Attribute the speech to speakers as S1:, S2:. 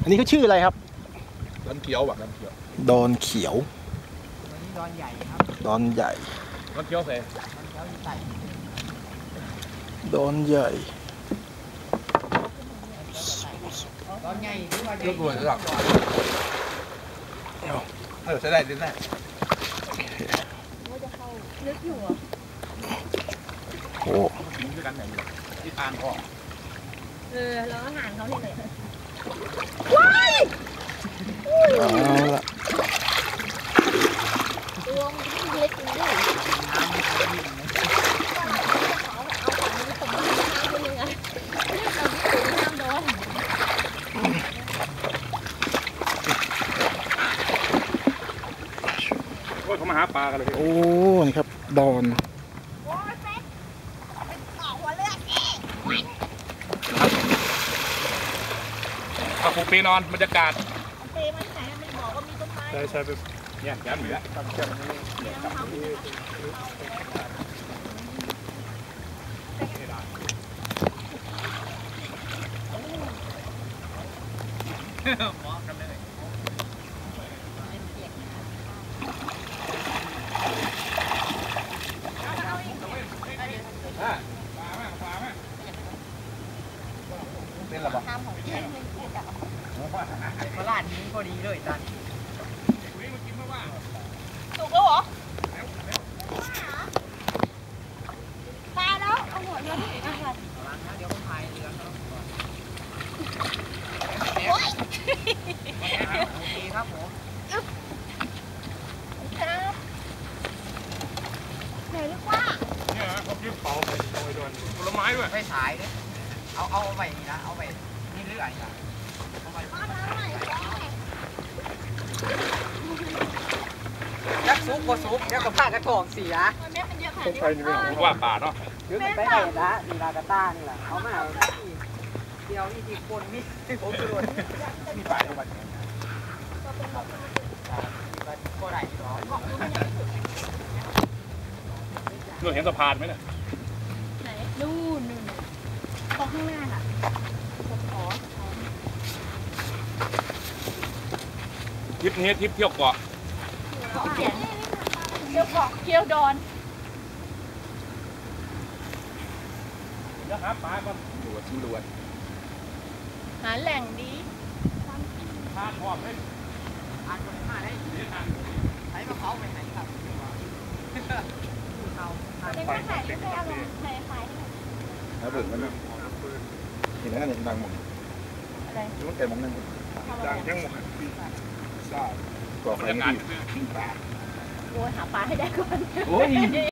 S1: อันนี้เขาชื่ออะไรครับ
S2: ดอนเขียวแบบดอนเขียว
S1: ดอนเขียว
S3: ดอนใหญ่ครับ
S1: ดอนใหญ่
S2: ดอนเขียวเส
S1: ดอนใหญ่
S3: ดอนใหญ่ที่ว่าใหญ่
S2: ลูกรวยหลักใช้ได้ดิแน่
S4: ว่าจะเข้าลึกอยู่อ่ะ
S1: โอ้
S2: กินด้วยกันไหนที่อ่านพ่อ
S4: แล้วอาหารเขาเนี่ย
S1: ว้ายเอาละ
S4: ตัวมันเล็กจริงด้วย
S2: เขามาหาปลากันเลย
S1: โอ้นี่ครับดอน
S2: เอาปูปีนอนบรรยากาศ
S4: เปมันไหนมันบอกว่ามีต้นไม้
S2: ใช่ไปเนี่ยย้ำอยู่แล้วมองกันเลยเป็นระบบ
S4: น้ำของพี่
S3: ตลาดนี้พอดีเลยจัน
S4: สุกแล้วเหรอตายแล้วเอาหัวมาที่อาหาร
S3: เดี๋ยวผมพายเรือโอเคครับผม
S4: ครับไหนลูกว่า
S2: เนี่ยเขายืมเป๋าไปโดยด่วนผลไม้ด้วย
S3: ไปฉายด้วยเอาไปนี่นะเอาไปนี่เรื่อยนะยักษ์ซุปก็ซุปเดี๋ยวกับผ้ากระถองเสีย
S2: ต้องไปนี่ไม่ว่าป่าเนาะ
S3: ยืมไปไหนละนี่ลากาต้านี่แหละเขามาเดียวนี่ทีคนนี่ผมกระโดด
S2: มีป่าทุกวัน
S3: ก็ได้หรอ
S2: นู่นเห็นสะพานไหมเนี่ย
S4: ไหนนู่นตรงข้างหน้าค่ะ
S2: ทริปนี้ทริปเที่ยวเกาะ
S4: เขียนเที่ยวเกาะเที่ยวดอน
S2: เดี๋ยวหาปลาก่อนดูว่าชิมดูว่า
S4: หาแหล่งดี
S2: ทานพร้อมเลย
S3: ทานคนมาได้ใช้มะพร้าวไปไหนครับ
S4: เด็กมาขายไม่เอาลงขาย
S2: แล้วเบิกมันนะเห็นแล้วเนี่ยดังหมด
S4: อะไร
S2: มันแก่มองนั่งดังยังหมดทราบก่อไฟดี
S4: โอ้ยหาปลาให้ได้ก่อน